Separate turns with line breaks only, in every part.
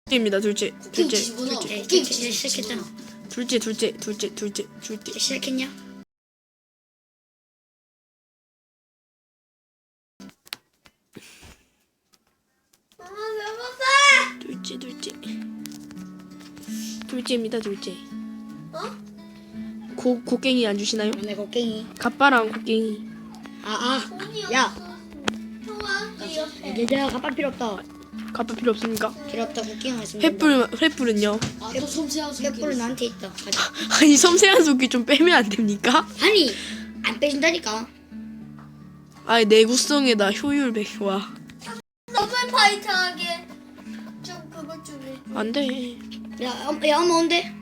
둘째입니다. 둘째.
쿠킹
둘째.
집어넣어.
둘째.
쿠킹
이제 시작했잖아.
둘째.
이제 시작했냐?
둘째입니다. 둘째.
어?
곡괭이 안 주시나요?
내 곡괭이.
갑바랑 곡괭이.
야. 얘들아 가방 필요 없다.
갑바 필요 없습니까?
필요 없다. 곡괭이 있으면 된다.
횃불은요?
아또 섬세한
횃불은
손길.
나한테 있다. 가자.
아니 섬세한 속이 좀 빼면 안 됩니까?
아니 안 빼준다니까.
아니 내구성에다 효율 100와.
더블 파이트하게 좀 그것 좀 해줘.
안 돼.
야 엄마 온대.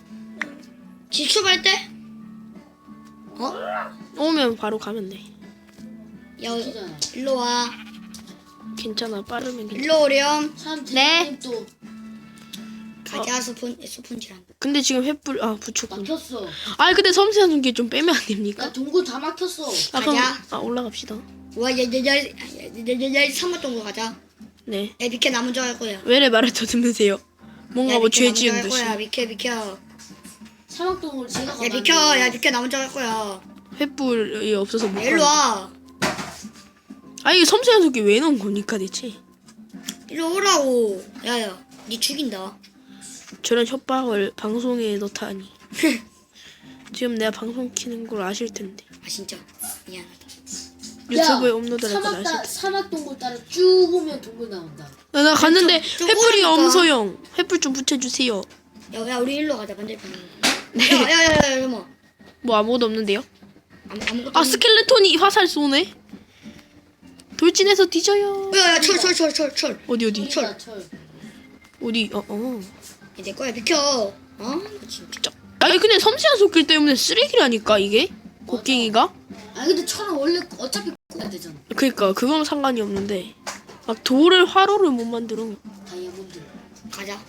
지출할 때? 어?
오면 바로 가면 돼.
야
웃기잖아.
일로 와.
괜찮아. 빠르면 괜찮아.
일로 오렴.
네. 또
가자 스폰지랑.
근데 지금 횃불 붙였군.
막혔어.
아니 근데 섬세한 속이 좀 빼면 안 됩니까?
나 동굴 다 막혔어.
그럼
가자.
올라갑시다.
와야야야야야 삼각동으로 가자.
네.
야 비켜 나 먼저 갈 거야.
왜래 말을 더듬으세요? 뭔가 뭐 죄 지은 듯이.
비켜.
사막 동굴 제가 가봤는데.
야 비켜 나 먼저 갈 거야.
횃불이 없어서 못
야, 일로 와.
아 이게 섬세한 속이 왜 넣은 겁니까 대체?
일로 오라고. 야야 니 죽인다.
저런 협박을 방송에 넣다니. 지금 내가 방송 키는 걸 아실 텐데.
아 진짜 미안하다.
유튜브에 업로드할 걸 아실 텐데.
사막 동굴 따라 쭉 오면 동굴 나온다.
나 갔는데
좀
횃불이
오라니까.
엄소영. 횃불 좀 붙여주세요.
야 우리 일로 가자 반대편.
네.
야야야야 뭐
뭐 아무것도 없는데요?
아무것도.
아 스켈레톤이 화살 쏘네. 돌진해서 뒤져요.
야야 철.
어디?
철.
어디?
내 거야 비켜. 진짜.
아니 근데 섬세한 속길 때문에 쓰레기라니까 이게 곡괭이가.
아 근데 철은 원래 어차피 꽂아야 되잖아.
그러니까 그건 상관이 없는데 막 돌을 화로를 못 만들어.
다이아몬드.
가자.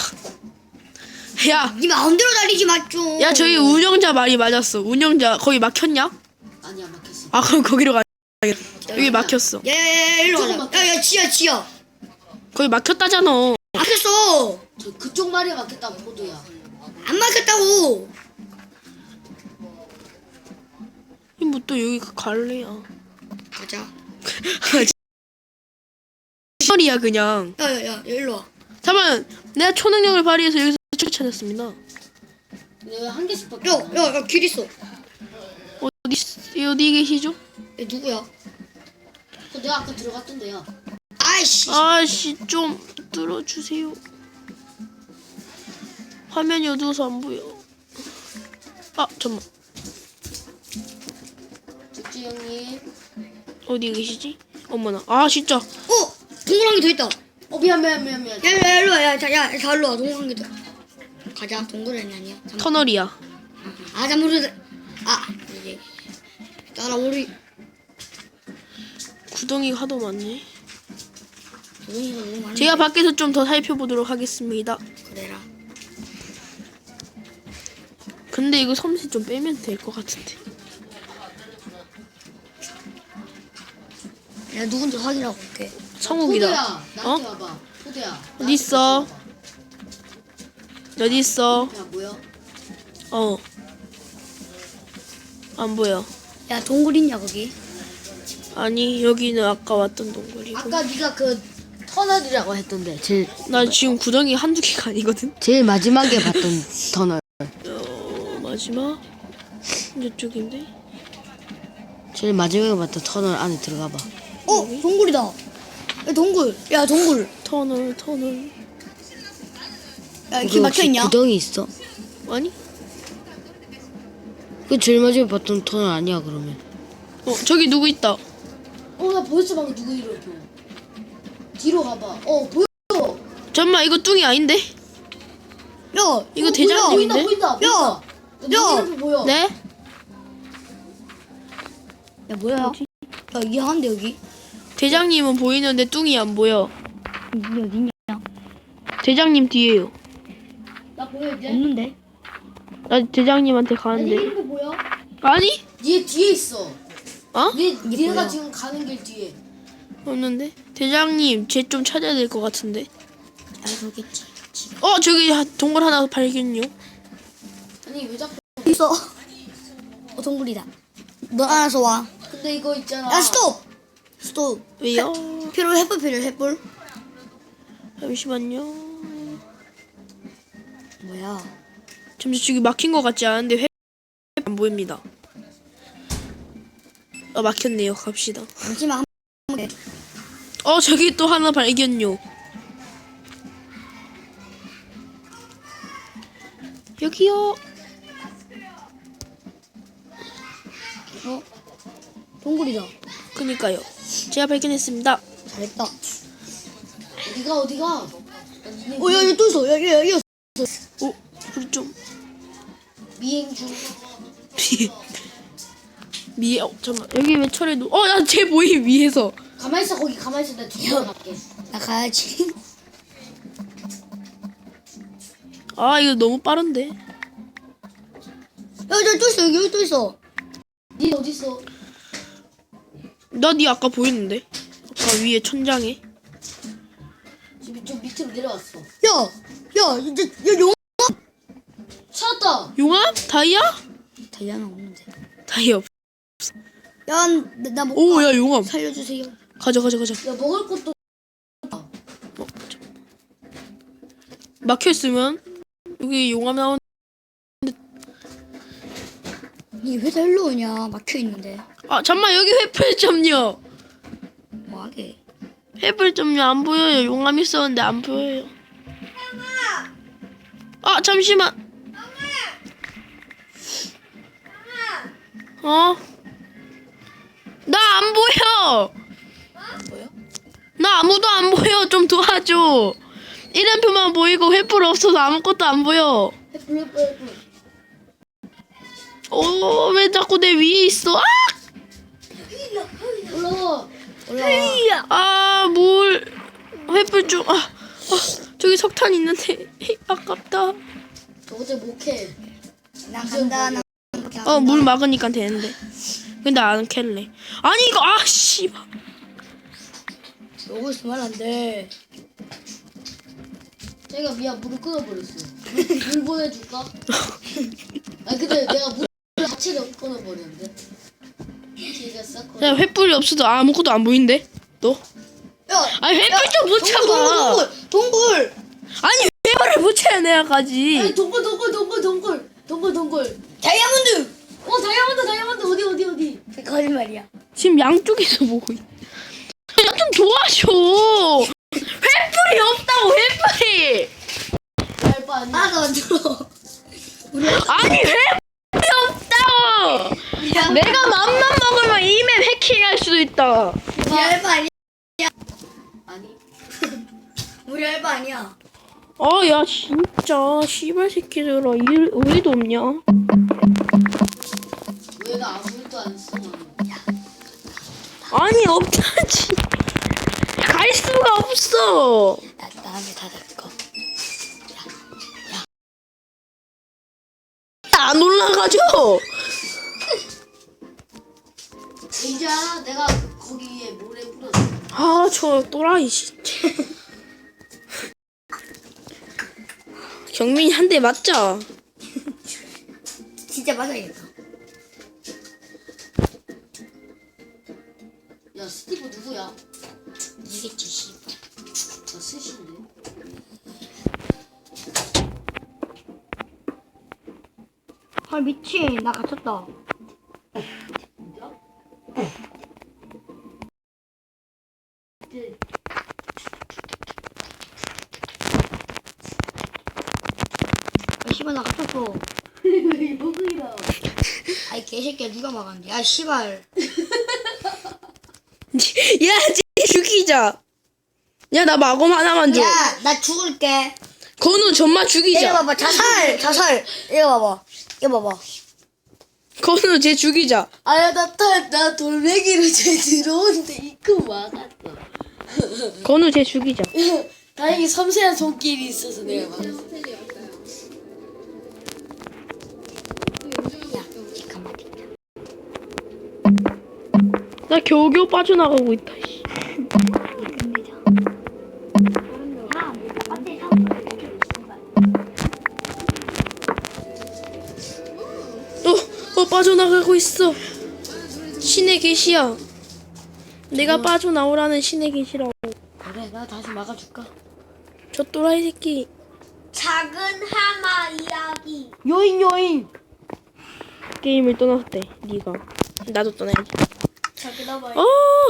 야,
니 마음대로 달리지 마 좀.
야 저희 운영자 말이 맞았어. 운영자 거기 막혔냐?
아니야 막혔어.
아 그럼 거기로 가. 여기 막혔어.
야야야 일로
조금
가자. 야야 지야.
거기 막혔다잖아.
막혔어.
저 그쪽 말이 막혔다고 포도야.
안 막혔다고.
뭐 또 여기 갈래야.
가자.
시설이야 그냥.
야야야 일로 와.
잠깐만 내가 초능력을 발휘해서 여기서 책 찾았습니다.
내가 한 개씩밖에.
야야야 길 있어.
어디 계시죠?
얘 누구야?
그 내가 아까 들어갔던데요.
아이씨.
아씨 좀 뚫어주세요. 화면이 어두워서 안 보여. 아 잠만
죽지 형님.
어디 계시지? 어머나 아 진짜
동그란 게 더 있다.
미안.
야야 일로 와. 야 일로 와. 동그란 게 더. 가자. 동그란이 아니야.
터널이야.
잠깐만. 이제 따라오리.
구덩이가 하도 많네.
동이가 너무 많아.
제가 밖에서 좀 더 살펴보도록 하겠습니다.
그래라.
근데 이거 섬세 좀 빼면 될 것 같은데.
야 누군지 확인하고 올게.
성욱이다.
포도야 나한테 와봐. 포도야.
어디 있어? 어디 있어?
야 뭐야?
안 보여.
야 동굴 있냐 거기?
아니 여기는 아까 왔던 동굴이고.
아까 네가 그 터널이라고 했던데 제일
나 지금 구덩이 한두 개가 아니거든.
마지막에 봤던 터널.
마지막 이쪽인데.
제일 마지막에 봤던 터널 안에 들어가 봐.
동굴이다. 야 동굴. 야 동굴.
터널.
야길 막혀 있냐?
구덩이 있어?
아니?
그 제일 마지막에 봤던 터널 아니야 그러면?
저기 누구 있다.
나 벌써 방금 누구 이러고. 뒤로 가봐. 보여.
잠깐만 이거 뚱이 아닌데?
야
이거 대장님인데?
보인다.
야!
이렇게 보여.
네?
야 뭐야? 야 이상한데 여기?
대장님은 보이는데 뚱이 안 보여.
여기 어딨냐?
대장님 뒤에요.
나 보여 이제?
없는데?
나 대장님한테 가는데.
이렇게 보여?
아니?
뒤에 있어.
어?
얘가
뭐야?
지금 가는 길 뒤에.
없는데? 대장님 쟤 좀 찾아야 될 것 같은데.
알겠지.
저기 동굴 하나 발견요.
아니 왜 자꾸
있어. 동굴이다. 너 알아서 와.
근데 이거 있잖아.
야 스톱. 스톱.
왜요?
횃불 횃불.
잠시만요.
뭐야?
잠시 저기 막힌 것 같지 않은데 안 보입니다. 막혔네요. 갑시다.
잠시만 한 번.
저기 또 하나 발견요. 여기요.
동굴이다.
그니까요. 제가 발견했습니다.
잘했다.
어디가?
여기 또 있어. 여기 있어.
우리 좀
미행 중.
잠깐만. 여기 왜 철에 나쟤 보임 위에서.
가만히 있어 거기 가만히 있어 내가 뒤로 갈게.
나 가야지.
이거 너무 빠른데.
여기 또 있어. 여기 또 있어.
니 어디 있어?
나 니 아까 보였는데. 아까 위에 천장에.
지금 좀 밑으로 내려왔어.
야 이제 용.
찾았다.
용암? 다이아?
다이아는 없는데.
다이아 없.
야, 나 못.
야 용암.
살려주세요.
가자.
야 먹을 것도.
막혀 있으면 여기 용암 나온.
니 회사 일로 오냐? 막혀 있는데.
잠만 여기 횃불 점요.
뭐하게?
횃불 점요 안 보여요. 용암 있었는데 안 보여요. 잠시만. 나 안 보여.
뭐야?
나 아무도 안 보여. 좀 도와줘. 이름표만 보이고 횃불 없어서 아무것도 안 보여.
횃불.
왜 자꾸 내 위에 있어?
올라와.
물. 횃불 좀. 저기 석탄 있는데. 아깝다.
어제 못해.
나 간다.
물 막으니까 되는데. 근데 안 캘래. 아니 이거 씨발.
먹을 수만 안 돼.
제가 미안 물을 끊어버렸어. 물 보내줄까? 근데 내가 물 자체를 끊어버렸는데. 제가 싹
야 횃불이 없어도 아무것도 안 보이는데. 너?
야,
횃불 좀 붙여봐.
동굴.
아니 횃불을 붙여야 내가 가지.
아니 동굴.
다이아몬드.
다이아몬드 어디?
거짓말이야.
지금 양쪽에서 보고 있. 좀 도와줘. 횃불이 없다고 횃불이.
알바 아니야.
나 만들어.
아니 횃불이 없다고. 내가 맘만 먹으면 이맵 해킹할 수도 있다.
우리 알바 아니야.
아니.
우리 알바 아니야.
야 진짜 씨발 새끼들아 의리도 없냐?
왜 나 아무 일도 안 써?
아니 없다지. 갈 수가 없어.
나한테 다 될거.
안 올라가죠.
이제 알아? 내가 거기에 모래 뿌렸어.
저 또라이 진짜. 경민이 한 대 맞자.
진짜 맞아야겠다.
야 스티브 누구야?
이겠지 씨.
나 스신데.
미친. 나 갇혔다. 씨발 나 갇혔어.
왜 여기라?
아이 개새끼야 누가 막았는데. 아 씨발.
야, 죽이자. 야, 나 마검 하나만 줘.
야 나 죽을게.
건우 전마
이거
죽이자.
봐봐 자살. 이거 봐봐.
건우 쟤 죽이자.
아야 나 돌멩이로 쟤 들어오는데 입구 막았어.
건우 쟤 죽이자.
다행히 섬세한 손길이 있어서 내가 막았어.
잠깐만.
나 겨우겨우 빠져나가고 있다. 씨.
아, 안돼
빠져나가고 있어. 신의 계시야. 내가 빠져나오라는 신의 계시라고.
그래, 나 다시 막아줄까?
저 또라이 새끼.
작은 하마 이야기.
요인.
게임을 떠났대. 네가. 나도 떠나야지.
작은 하마.
어.